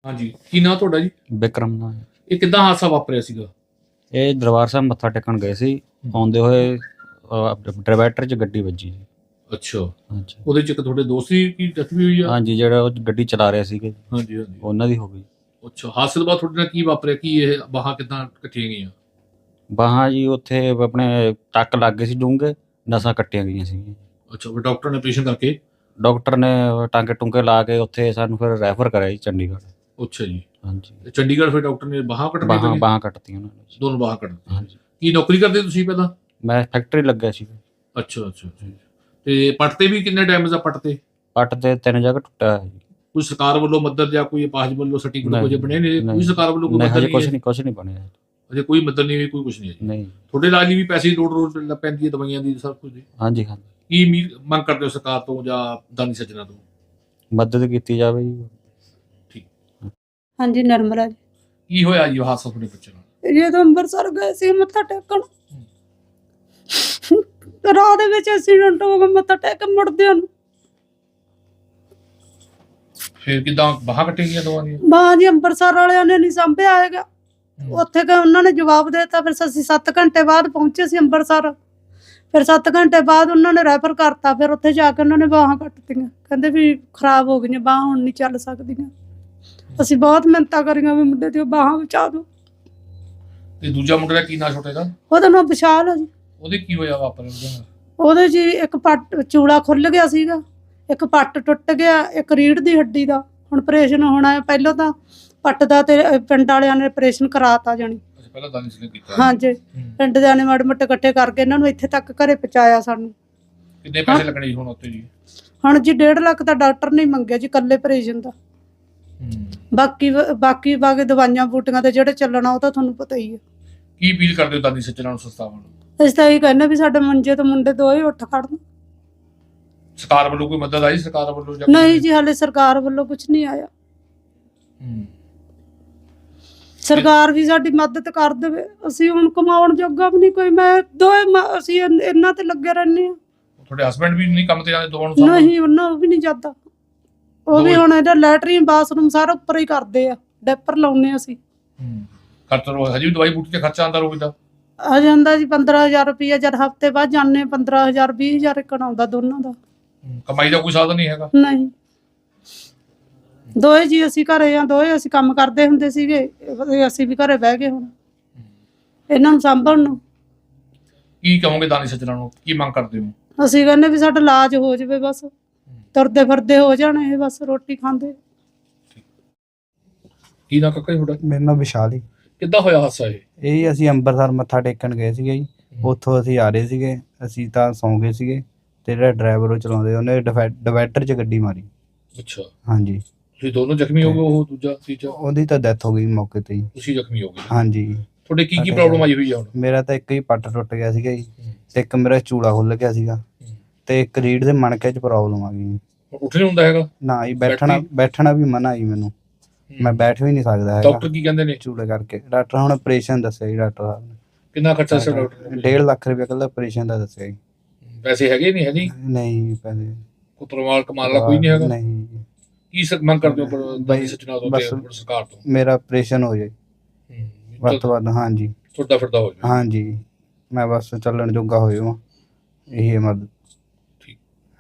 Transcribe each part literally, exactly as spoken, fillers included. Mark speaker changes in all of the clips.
Speaker 1: ਹਾਂਜੀ, ਕੀ ਨਾਂ ਤੁਹਾਡਾ ਜੀ?
Speaker 2: ਵਿਕਰਮ ਨਾਲ
Speaker 1: ਇਹ ਕਿੱਦਾਂ ਹਾਦਸਾ ਵਾਪਰਿਆ ਸੀਗਾ?
Speaker 2: ਇਹ ਦਰਬਾਰ ਸਾਹਿਬ ਮੱਥਾ ਟੇਕਣ ਗਏ ਸੀ। ਆਉਂਦੇ ਹੋਏ ਡਿਵਾਈਡਰ 'ਚ ਗੱਡੀ ਵੱਜੀ ਜੀ।
Speaker 1: ਅੱਛਾ,
Speaker 2: ਹਾਂਜੀ
Speaker 1: ਉਹਦੇ ਚ ਇੱਕ ਤੁਹਾਡੇ ਦੋਸਤ ਦੀ ਕੀ ਡੈਥ ਵੀ ਹੋਈ ਆ?
Speaker 2: ਹਾਂਜੀ ਜਿਹੜਾ ਉਹ ਗੱਡੀ ਚਲਾ ਰਿਹਾ ਸੀਗੇ
Speaker 1: ਹਾਂਜੀ ਹਾਂਜੀ।
Speaker 2: ਉਹਨਾਂ ਦੀ ਹੋ ਗਈ।
Speaker 1: ਅੱਛਾ, ਹਾਦਸੇ ਤੋਂ ਬਾਅਦ ਤੁਹਾਡੇ ਨਾਲ ਕੀ ਵਾਪਰਿਆ? ਕੀ ਇਹ ਬਾਹਾਂ ਕਿੱਦਾਂ ਕੱਟੀਆਂ ਗਈਆਂ?
Speaker 2: ਬਾਹਾਂ ਜੀ ਉੱਥੇ ਆਪਣੇ ਟੱਕ ਲੱਗ ਗਏ ਸੀ ਡੂੰਘੇ, ਨਸਾਂ ਕੱਟੀਆਂ ਗਈਆਂ ਸੀ।
Speaker 1: ਅੱਛਾ, ਫਿਰ ਡਾਕਟਰ ਨੇ ਆਪਰੇਸ਼ਨ ਕਰਕੇ?
Speaker 2: ਡਾਕਟਰ ਨੇ ਟਾਂਕੇ ਟੁੰਕੇ ਲਾ ਕੇ ਉੱਥੇ ਸਾਨੂੰ ਫਿਰ ਰੈਫਰ ਕਰਿਆ ਜੀ ਚੰਡੀਗੜ੍ਹ।
Speaker 1: ਅੱਛਾ ਜੀ,
Speaker 2: ਹਾਂਜੀ
Speaker 1: ਤੇ ਚੰਡੀਗੜ੍ਹ ਫਿਰ ਡਾਕਟਰ ਨੇ ਬਾਹਾਂ ਕੱਟਣੀਆਂ
Speaker 2: ਬਾਹਾਂ
Speaker 1: ਪਈਆਂ?
Speaker 2: ਬਾਹਾਂ ਕੱਟਤੀਆਂ ਉਹਨਾਂ ਨੇ ਜੀ।
Speaker 1: ਦੋਨੋਂ ਬਾਹਾਂ ਕੱਟਣੀਆਂ।
Speaker 2: ਹਾਂਜੀ
Speaker 1: ਕੀ ਨੌਕਰੀ ਕਰਦੇ ਤੁਸੀਂ ਪਹਿਲਾਂ?
Speaker 2: ਮੈਂ ਫੈਕਟਰੀ ਲੱਗਿਆ ਸੀ।
Speaker 1: ਅੱਛਾ ਅੱਛਾ ਅੱਛਾ। ਤੇ ਪੱਟ ਤੇ ਵੀ ਕਿੰਨੇ ਡੈਮੇਜ ਆ ਪੱਟ ਤੇ?
Speaker 2: ਪੱਟ ਤੇ ਤਿੰਨ ਜਗ੍ਹਾ ਟੁੱਟਿਆ ਹੋਇਆ ਜੀ।
Speaker 1: ਕੋਈ ਸਰਕਾਰ ਵੱਲੋਂ ਮਦਦ ਜਾਂ ਕੋਈ ਅਪਾਹਜ ਵੱਲੋਂ ਸਰਟੀਫਿਕੇਟ ਕੁਝ ਬਣੇ ਨੇ? ਕੋਈ ਸਰਕਾਰ ਵੱਲੋਂ ਕੋਈ
Speaker 2: ਨਹੀਂ
Speaker 1: ਮਦਦ
Speaker 2: ਹਜੇ
Speaker 1: ਨਹੀਂ
Speaker 2: ਕੁਛ
Speaker 1: ਹੈ?
Speaker 2: ਨਹੀਂ ਕੁਛ ਨਹੀਂ ਬਣਿਆ
Speaker 1: ਅਜੇ ਕੋਈ ਮਦਦ ਨਹੀਂ ਹੋਈ, ਕੋਈ ਕੁਝ ਨਹੀਂ ਹੈ ਜੀ?
Speaker 2: ਨਹੀਂ।
Speaker 1: ਤੁਹਾਡੇ ਇਲਾਜ ਲਈ ਵੀ ਪੈਸੇ ਦੀ ਲੋੜ ਰੋਜ਼ ਪੈਂਦੀ ਹੈ, ਦਵਾਈਆਂ ਦੀ, ਸਭ ਕੁਝ ਦੀ?
Speaker 2: ਹਾਂਜੀ ਹਾਂਜੀ
Speaker 1: ਕੀ ਉਮੀਦ ਮੰਗ ਕਰਦੇ ਹੋ ਸਰਕਾਰ ਤੋਂ ਜਾਂ ਦਾਨੀ ਸੱਜਣਾ ਤੋਂ?
Speaker 2: ਮਦਦ ਕੀਤੀ ਜਾਵੇ ਜੀ।
Speaker 1: ਠੀਕ।
Speaker 3: ਹਾਂਜੀ ਨਰਮਲਾ ਜੀ।
Speaker 1: ਕੀ ਹੋਇਆ ਜੀ ਹਾਦਸਾ ਤੁਹਾਡੇ ਬੱਚੇ ਨਾਲ?
Speaker 3: ਜਦੋਂ ਅੰਮ੍ਰਿਤਸਰ ਗਏ ਸੀ ਮੱਥਾ ਟੇਕਣ, ਰਾਹ ਦੇ ਵਿੱਚ ਐਕਸੀਡੈਂਟ ਹੋ ਗਿਆ ਮੱਥਾ ਟੇਕ ਕੇ ਮੁੜਦਿਆਂ ਨੂੰ।
Speaker 1: ਫਿਰ ਕਿਦਾਂ ਬਾਹਾਂ ਕੱਟੀਆਂ ਗਈਆਂ ਦੋਵਾਂ ਦੀਆਂ?
Speaker 3: ਬਾਹਾਂ ਜੀ ਅੰਮ੍ਰਿਤਸਰ ਵਾਲਿਆਂ ਨੇ ਨਹੀਂ ਸਾਂਭਿਆ ਹੈਗਾ। ਉੱਥੇ ਕਿ ਉਹਨਾਂ ਨੇ ਜਵਾਬ ਦੇ ਦਿੱਤਾ। ਫਿਰ ਅਸੀਂ ਸੱਤ ਘੰਟੇ ਬਾਅਦ ਪਹੁੰਚੇ ਸੀ ਅੰਮ੍ਰਿਤਸਰ। ਫਿਰ ਸੱਤ ਘੰਟੇ ਬਾਅਦ ਉਹਨਾਂ ਨੇ ਰੈਫਰ ਕਰਤਾ। ਫਿਰ ਉੱਥੇ ਜਾ ਕੇ ਉਹਨਾਂ ਨੇ ਬਾਹਾਂ ਕੱਟਤੀਆਂ। ਕਹਿੰਦੇ ਵੀ ਖਰਾਬ ਹੋ ਗਈਆਂ ਬਾਹਾਂ, ਹੁਣ ਨਹੀਂ ਚੱਲ ਸਕਦੀਆਂ। ਅਸੀਂ ਬਹੁਤ ਮਿਹਨਤਾਂ ਕਰੀਆਂ ਵੀ ਮੁੰਡੇ ਦੀਆਂ ਬਾਹਾਂ ਬਚਾ ਦਿਓ।
Speaker 1: ਤੇ ਦੂਜਾ ਮੁੰਡੇ ਦਾ ਕੀ ਨਾਂ ਛੋਟੇ ਦਾ?
Speaker 3: ਉਹਦਾ ਨਾਮ ਵਿਸ਼ਾਲ ਆ ਜੀ।
Speaker 1: ਉਹਦੇ ਕੀ ਹੋਇਆ ਵਾਪਰ ਉਹਦੇ ਨਾਲ?
Speaker 3: ਉਹਦੇ ਜੀ ਇੱਕ ਪੱਟ ਚੂੜਾ ਖੁੱਲ ਗਿਆ ਸੀਗਾ, ਇੱਕ ਪੱਟ ਟੁੱਟ ਗਿਆ, ਇੱਕ ਰੀੜ੍ਹ ਦੀ ਹੱਡੀ ਦਾ ਹੁਣ ਆਪਰੇਸ਼ਨ ਹੋਣਾ ਹੈ। ਪਹਿਲਾਂ ਤਾਂ ਪੱਟ ਦਾ ਤੇ ਪਿੰਡ ਵਾਲਿਆਂ ਨੇ ਆਪਰੇਸ਼ਨ ਕਰਾਤਾ ਜਾਣੀ।
Speaker 1: ਅੱਛਾ, ਪਹਿਲਾਂ ਦਾਨੀ ਸਿੰਘ ਨੇ ਕੀਤਾ?
Speaker 3: ਹਾਂਜੀ, ਪਿੰਡ ਦੇ ਨੇ ਮਾੜੇ ਮੋਟੇ ਇਕੱਠੇ ਕਰਕੇ ਇਹਨਾਂ ਨੂੰ ਇੱਥੇ ਤੱਕ ਘਰੇ ਪਹੁੰਚਾਇਆ ਸਾਨੂੰ।
Speaker 1: ਕਿੰਨੇ ਪੈਸੇ ਲੱਗਣੇ ਜੀ ਹੁਣ ਉੱਤੇ ਜੀ?
Speaker 3: ਹੁਣ ਜੀ ਡੇਢ ਲੱਖ ਤਾਂ ਡਾਕਟਰ ਨੇ ਮੰਗਿਆ ਜੀ ਇਕੱਲੇ ਆਪਰੇਸ਼ਨ ਦਾ। ਬਾਕੀ ਬਾਕੀ ਬਾਕੀ ਦਵਾਈਆਂ ਬੂਟੀਆਂ ਤੇ ਜਿਹੜੇ ਚੱਲਣਾ ਉਹ ਤਾਂ ਤੁਹਾਨੂੰ ਪਤਾ ਹੀ ਹੈ।
Speaker 1: ਕੀ ਅਪੀਲ ਕਰਦੇ ਹੋ ਦਾਨੀ ਸੱਜਣਾ ਨੂੰ, ਸੰਸਥਾਵਾਂ ਨੂੰ?
Speaker 3: ਅਸੀਂ ਤਾਂ ਇਹ ਕਹਿੰਦੇ ਵੀ ਸਾਡੇ ਮੰਜੇ ਤੋਂ ਮੁੰਡੇ ਦੋਏ ਉੱਠ ਖੜਨ।
Speaker 1: ਸਰਕਾਰ ਵੱਲੋਂ ਕੋਈ ਮਦਦ ਆਈ ਸਰਕਾਰ ਵੱਲੋਂ ਜਾਂ?
Speaker 3: ਨਹੀਂ ਜੀ, ਹਾਲੇ ਸਰਕਾਰ ਵੱਲੋਂ ਕੁਝ ਨਹੀਂ ਆਇਆ। ਸਰਕਾਰ ਵੀ ਸਾਡੀ ਮਦਦ ਕਰ ਦੇਵੇ। ਅਸੀਂ ਹੁਣ ਕਮਾਉਣ ਜੋਗਾ ਵੀ ਨਹੀਂ ਕੋਈ। ਮੈਂ ਦੋਏ ਅਸੀਂ ਇਹਨਾਂ ਤੇ ਲੱਗੇ ਰਹਿੰਦੇ ਹਾਂ।
Speaker 1: ਤੁਹਾਡੇ ਹਸਬੰਡ ਵੀ ਨਹੀਂ ਕੰਮ ਤੇ ਜਾਂਦੇ ਦੋਵਾਂ ਨੂੰ?
Speaker 3: ਨਹੀਂ, ਉਹਨਾਂ ਉਹ ਵੀ ਨਹੀਂ ਜਾਂਦਾ। ਉਹ ਵੀ ਹੁਣ ਇਹਦਾ ਲੈਟਰੀਨ ਬਾਥਰੂਮ ਸਾਰਾ ਉੱਪਰ ਹੀ ਕਰਦੇ ਆ। ਡੈਪਰ ਲਾਉਨੇ ਅਸੀਂ।
Speaker 1: ਖਰਚਾ ਰੋ ਹਜੇ ਵੀ ਦਵਾਈ ਬੂਟੀ ਤੇ ਖਰਚਾ ਆਉਂਦਾ ਰੋਜ਼ ਦਾ?
Speaker 3: ਆ ਜਾਂਦਾ ਜੀ ਪੰਦਰਾਂ ਹਜ਼ਾਰ ਰੁਪਈਆ। ਜਦ ਹਫ਼ਤੇ ਬਾਅਦ ਜਾਂਦੇ ਪੰਦਰਾਂ ਹਜ਼ਾਰ ਵੀਹ ਹਜ਼ਾਰ ਇੱਕ ਆਉਂਦਾ ਦੋਨਾਂ ਦਾ।
Speaker 1: ਕਮਾਈ ਦਾ ਕੋਈ ਸਾਧਨ ਨਹੀਂ ਹੈਗਾ?
Speaker 3: ਨਹੀਂ, ਦੋਏ ਜੀ ਅਸੀਂ ਘਰੇ ਆ। ਦੋਏ ਅਸੀਂ ਕੰਮ ਕਰਦੇ ਹੁੰਦੇ ਸੀਗੇ। ਅਸੀਂ ਵੀ ਘਰੇ ਬਹਿ ਗਏ ਹੁਣ ਇਹਨਾਂ ਨੂੰ ਸਾਂਭਣ ਨੂੰ।
Speaker 1: ਕੀ ਕਹੋਗੇ ਦਾਨੀ ਸੱਜਣਾ ਨੂੰ? ਕੀ ਮੰਗ ਕਰਦੇ ਹੋ?
Speaker 3: ਅਸੀਂ ਕਹਿੰਦੇ ਵੀ ਸਾਡਾ ਇਲਾਜ ਹੋ ਜਾਵੇ, ਬਸ ਤੁਰਦੇ ਫਿਰਦੇ ਹੋ ਜਾਣ ਇਹ, ਬਸ ਰੋਟੀ ਖਾਂਦੇ।
Speaker 1: ਕੀ ਨਾ ਕਾਕਾ ਤੁਹਾਡਾ?
Speaker 4: ਮੇਰਾ ਨਾਮ ਵਿਸ਼ਾਲ ਜੀ।
Speaker 1: ਕਿੱਦਾਂ ਹੋਇਆ ਹਾਦਸਾ ਇਹ?
Speaker 4: ਇਹ ਅਸੀਂ ਅੰਮ੍ਰਿਤਸਰ ਮੱਥਾ ਟੇਕਣ ਗਏ ਸੀਗੇ ਜੀ। ਉੱਥੋਂ ਅਸੀਂ ਆ ਰਹੇ ਸੀਗੇ। ਅਸੀਂ ਤਾਂ ਸੌਂ ਗਏ ਸੀਗੇ ਤੇ ਜਿਹੜਾ ਡਰਾਈਵਰ ਉਹ ਚਲਾਉਂਦੇ ਉਹਨੇ ਡਿਵਾਈਡਰ 'ਚ ਗੱਡੀ ਮਾਰੀ।
Speaker 1: ਅੱਛਾ,
Speaker 4: ਹਾਂਜੀ।
Speaker 1: ਤੁਸੀਂ ਦੋਨੋਂ ਜ਼ਖਮੀ ਹੋ ਗਏ? ਉਹ ਦੂਜਾ ਤੀਜਾ?
Speaker 4: ਉਹਦੀ ਤਾਂ ਡੈਥ ਹੋ ਗਈ ਮੌਕੇ ਤੇ ਹੀ।
Speaker 1: ਤੁਸੀਂ ਜ਼ਖਮੀ ਹੋ ਗਏ?
Speaker 4: ਹਾਂਜੀ।
Speaker 1: ਤੁਹਾਡੇ ਕੀ ਕੀ ਪ੍ਰੋਬਲਮ ਆਈ ਹੋਈ ਆ ਹੁਣ?
Speaker 4: ਮੇਰਾ ਤਾਂ ਇੱਕ ਹੀ ਪੱਟ ਟੁੱਟ ਗਿਆ ਸੀਗਾ ਜੀ, ਤੇ ਇੱਕ ਮੇਰਾ ਚੂੜਾ ਖੁੱਲ ਗਿਆ ਸੀਗਾ, ਤੇ ਇੱਕ ਰੀੜ ਦੇ ਮਣਕੇ 'ਚ ਪ੍ਰੋਬਲਮ ਆ ਗਈ।
Speaker 1: ਉੱਠ ਨਹੀਂ ਹੁੰਦਾ ਹੈਗਾ?
Speaker 4: ਨਾ ਜੀ, ਬੈਠਣਾ ਬੈਠਣਾ ਵੀ ਮਨਾ ਜੀ ਮੈਨੂੰ। ਮੈਂ ਬੈਠ ਵੀ ਨਹੀਂ ਸਕਦਾ ਹੈਗਾ
Speaker 1: ਡਾਕਟਰ ਕੀ ਕਹਿੰਦੇ ਨੇ?
Speaker 4: ਚੂੜੇ ਕਰਕੇ। ਡਾਕਟਰ ਹੁਣ ਆਪਰੇਸ਼ਨ ਦੱਸਿਆ ਜੀ ਡਾਕਟਰ ਸਾਹਿਬ ਨੇ।
Speaker 1: ਕਿੰਨਾ ਖਰਚਾ ਸੀ ਡਾਕਟਰ ਨੇ?
Speaker 4: ਡੇਢ ਲੱਖ ਰੁਪਏ ਕੱਲਾ ਆਪਰੇਸ਼ਨ ਦਾ ਦੱਸਿਆ ਜੀ।
Speaker 1: ਪੈਸੇ ਹੈਗੇ ਨਹੀਂ? ਹੈ ਨਹੀਂ?
Speaker 4: ਨਹੀਂ ਪੈਸੇ
Speaker 1: ਕੁਤਰਮਾਲ ਕਮਾਲ ਦਾ ਕੋਈ ਨਹੀਂ ਹੈਗਾ?
Speaker 4: ਨਹੀਂ।
Speaker 1: ਕੀ ਸਕ ਮੰਗ ਕਰਦੇ ਹੋ ਦਾਨੀ ਸੱਜਣਾ ਤੋਂ ਤੇ ਸਰਕਾਰ ਤੋਂ?
Speaker 4: ਮੇਰਾ ਆਪਰੇਸ਼ਨ ਹੋ ਜਾਏ ਵੱਧ ਤੋਂ ਵੱਧ। ਹਾਂਜੀ,
Speaker 1: ਤੁਹਾਡਾ ਫਿਰਦਾ ਹੋ ਜਾਏ।
Speaker 4: ਹਾਂਜੀ, ਮੈਂ ਬਸ ਚੱਲਣ ਜੋਗਾ ਹੋ ਜਾਵਾਂ, ਇਹੀ ਮਦਦ।
Speaker 1: ਠੀਕ।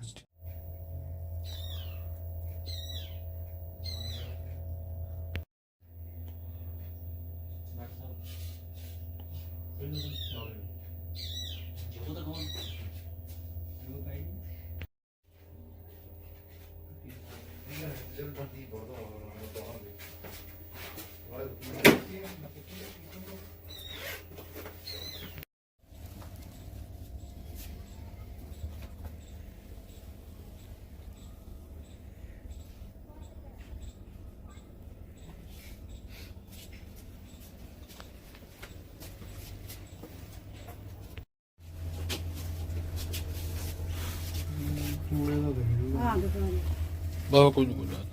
Speaker 1: ਬਾਬਾ ਕੋਈ ਨਹੀਂ ਬੋਲਦਾ।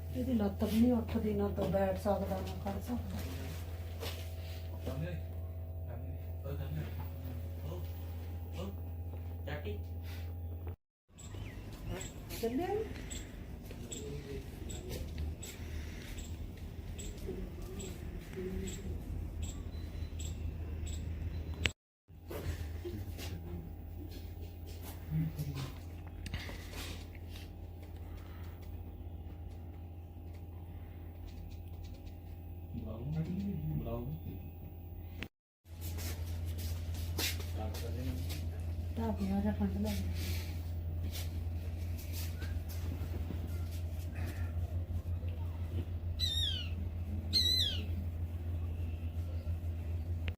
Speaker 3: ਇਹਦੀ ਲੱਤ ਵੀ ਨਹੀਂ ਉੱਠਦੀ, ਨਾ ਤੋਂ ਬੈਠ ਸਕਦਾ ਨਾ ਖੜ ਸਕਦਾ। ਚੱਲਿਆ ਨੀ? ਢਾਬਿਆਂ ਦਾ ਫੰਡ ਲੈ